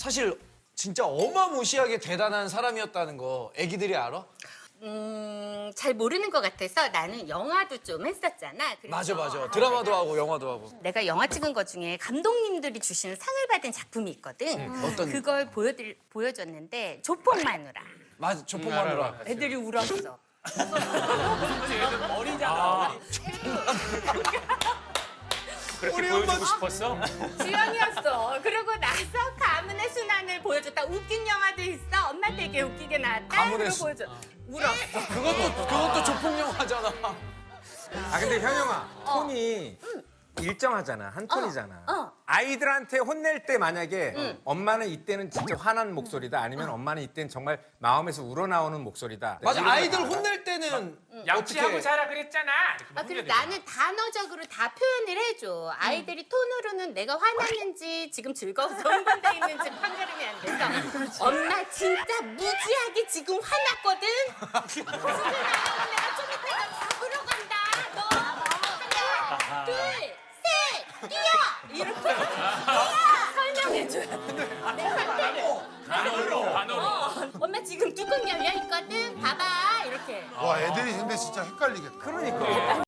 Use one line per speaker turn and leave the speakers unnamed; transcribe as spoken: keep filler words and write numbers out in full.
사실 진짜 어마무시하게 대단한 사람이었다는 거 애기들이 알아?
음, 잘 모르는 것 같아서 나는 영화도 좀 했었잖아. 그래서
맞아 맞아. 드라마도 하고 영화도 하고.
내가 영화 찍은 것 중에 감독님들이 주시는 상을 받은 작품이 있거든.
음, 어떤?
그걸 보여드, 보여줬는데 조폭 마누라.
맞아. 조폭 마누라.
애들이 울었어.
그렇게 보여주고 싶었어?
주연이었어. 그러고 나서 가문의 순환을 보여줬다. 웃긴 영화도 있어. 엄마 되게 웃기게 나왔다.
가문의
그리고
수-
보여줘. 울었어.
그것도 그것도 조폭 영화잖아.
아 근데 현영아 톤이 일정하잖아. 한 톤이잖아.
어.
아이들한테 혼낼 때 만약에 엄마는 이때는 진짜 화난 목소리다 아니면 엄마는 이때는 정말 마음에서 우러나오는 목소리다.
맞아.
이런 거
아이들
알아?
혼낼 때는
양치하고
어떻게?
자라 그랬잖아. 이렇게
아, 그리고
혼내야 되잖아.
나는 단어적으로 다 표현을 해줘. 아이들이 톤으로는 내가 화났는지 지금 즐거워서 흥분돼 있는지 판가름이 안 돼서 엄마 진짜 무지하게 지금 화났거든? 무슨 일 나가면 내가 좀 이따가 잡으러 간다. 너 하나, 둘, 셋, 뛰어! 이렇게 설명해줘야 돼. 내 상태를.
단어로, 단어로.
어, 엄마 지금 뚜껑 열려 있거든? 봐봐. 이렇게.
와 애들이 근데 진짜 헷갈리겠다.
그러니까.